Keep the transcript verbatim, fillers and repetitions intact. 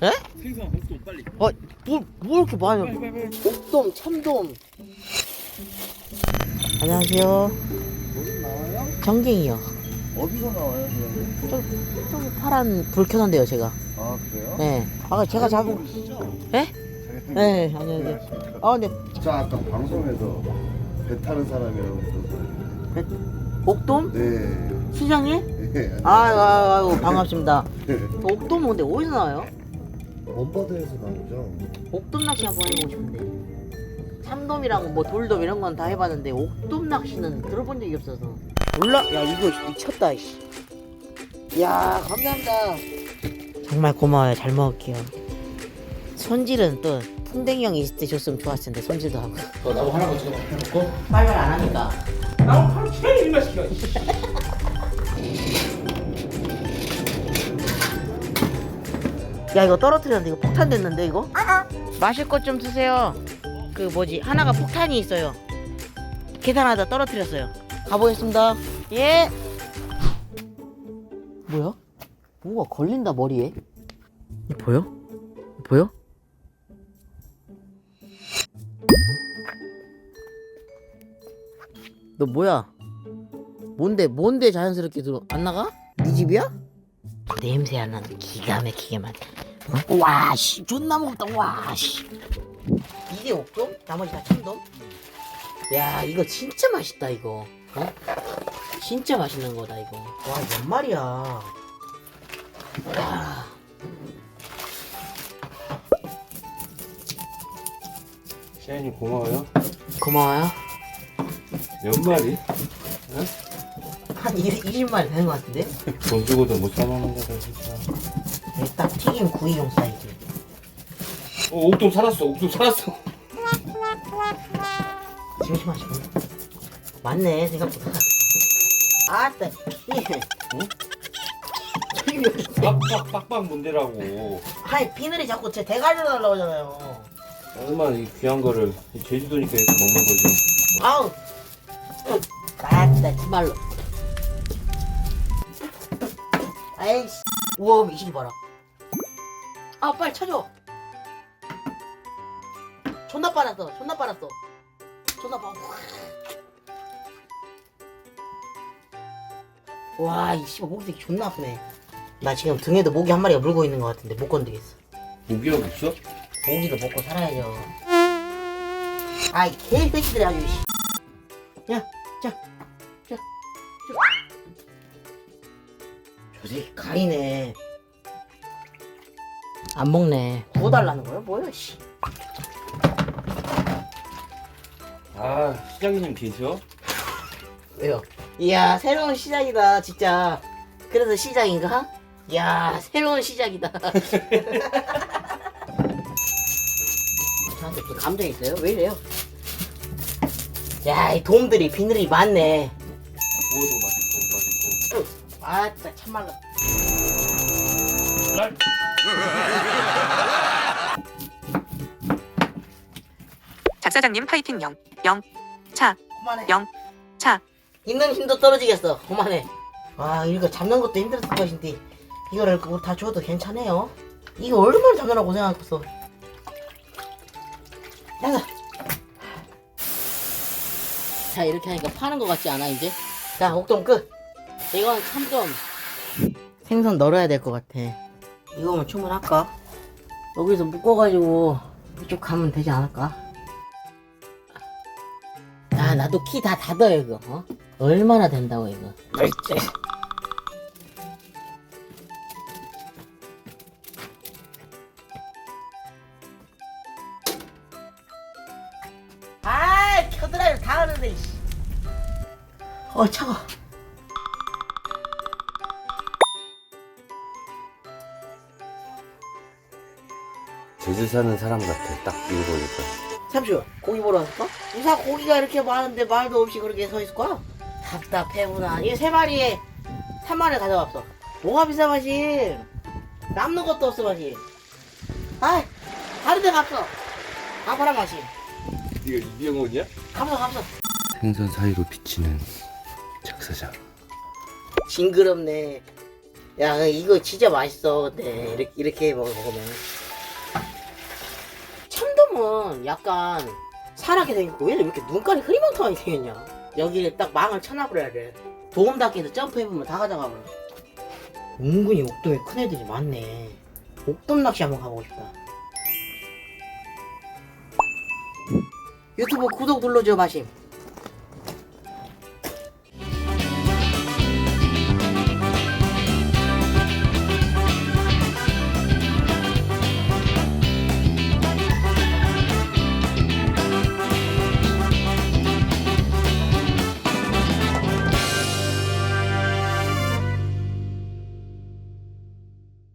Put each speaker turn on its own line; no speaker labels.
에?
생선 옥돔 빨리.
어, 뭐, 뭐 이렇게 많이?
빨리 빨리 빨리.
옥돔, 참돔. 안녕하세요.
어디 나와요?
정갱이요.
어디서 나와요, 그러면?
저, 저 파란 불 켜놓은데요, 제가.
아, 그래요?
네. 아, 제가 잡은.
모르시죠?
예? 네, 안녕하세요. 아, 근데
저 아까 방송에서 배 타는 사람이라고 들었어요.
옥돔?
네.
시장님?
네.
아, 아, 아이고, 반갑습니다.
네.
옥돔 근데 어디서 나와요?
원바다에서 나오죠.
옥돔 낚시 한번 해보고 싶은데. 참돔이랑 뭐 돌돔 이런 건 다 해봤는데 옥돔 낚시는 들어본 적이 없어서. 몰라? 야, 이거 미쳤다, 이씨. 야, 감사합니다. 정말 고마워요. 잘 먹을게요. 손질은 또 풍뎅이 형이 있을 때 줬으면 좋았을 텐데 손질도 하고.
어, 나무 하나 더 해놓고.
빨리빨리 안 하니까.
나무 바로 최 일만 시켜.
야, 이거 떨어뜨렸는데 이거 폭탄 됐는데 이거? 마실 것 좀 드세요. 그 뭐지, 하나가 폭탄이 있어요. 계산하다 떨어뜨렸어요. 가보겠습니다. 예. 뭐야? 뭔가 걸린다 머리에. 이 보여? 보여? 너 뭐야? 뭔데 뭔데 자연스럽게 들어 안 나가? 네 집이야? 냄새 안 나는 기가 막히게 만. 어? 와씨 존나 무겁다. 와씨. 이게 옥돔? 나머지 다 참돔? 야, 이거 진짜 맛있다 이거. 어? 진짜 맛있는 거다 이거. 와, 몇 마리야? 와.
시아님 고마워요.
고마워요.
몇 마리?
한 이십 마리 되는 것 같은데?
돈 주고도 못 사먹는 거다 진짜.
이게 딱 튀김 구이용 사이즈.
어, 옥돔 살았어. 옥돔 살았어.
심심하시고. 맞네 생각보다. 아따.
응? 빡빡 빡빡 뭔데라고.
아니, 비늘이 자꾸 제 대가리로 날라오잖아요.
얼마나 이 귀한 거를 이 제주도니까 이렇게 먹는 거지.
아우. 아따 정말로. 아이씨. 우와, 이 시기 봐라. 아, 빨리 쳐줘. 존나 빨았어. 존나 빨았어. 존나 빨. 와, 이 씨발 목이 되게 존나 아프네. 나 지금 등에도 모기 한 마리가 물고 있는 것 같은데 못 건드겠어.
모기가 없어?
고기도 먹고 살아야죠. 아이 개새끼들이 아주. 씨. 야, 자, 자, 자. 저 새끼 가리네. 안 먹네. 구워달라는 거야? 뭐야, 씨.
아, 시장님 계셔?
왜요? 이야, 새로운 시작이다, 진짜. 그래서 시작인가? 이야, 새로운 시작이다. 저한테 또 감정 있어요? 왜 이래요? 야, 이 돔들이 비늘이 많네.
구워도 맛있고 맛있고.
아따, 참말로.
날.
작사장님 파이팅 영, 영, 차,
그만해.
영, 차.
있는 힘도 떨어지겠어. 그만해. 와, 이거 잡는 것도 힘들었을 것인데 이거를 그거 다 줘도 괜찮아요. 이거 얼마나 잡느라고 고생하겠어. 야, 자, 이렇게 하니까 파는 것 같지 않아 이제? 자, 옥돔 끝. 이건 참돔. 생선 널어야 될 것 같아. 이거면 충분할까? 여기서 묶어가지고 이쪽 가면 되지 않을까? 야, 나도 키 다 닫아요 이거. 어? 얼마나 된다고 이거. 그렇지. 아, 켜드라이브 다 하는데. 이씨. 어, 차가.
제주 사는 사람 같아. 딱 이거 보니까.
잠시만, 고기 보러 왔을까? 무사 고기가 이렇게 많은데 말도 없이 그렇게 서 있을까? 답답해구나. 이게 세 마리에 삼만 원 가져갔어. 뭐가 비싸 마시? 남는 것도 없어 마시. 아이, 다른 데 갔어. 가봐라 마시.
이거 이병헌이야?
가봐 가봐.
생선 사이로 비치는 작사장.
징그럽네. 야 이거 진짜 맛있어. 근데 이렇게 이렇게 먹- 먹으면 참돔은 약간 사랗게 생겼고 얘는 왜 이렇게 눈깔이 흐리멍텅하게 생겼냐. 여기를 딱 망을 쳐놔버려야 돼. 도움닫기에서 점프해보면 다 가져가버려. 은근히 옥돔에 큰 애들이 많네. 옥돔 낚시 한번 가보고 싶다. 유튜브 구독 눌러줘 마심.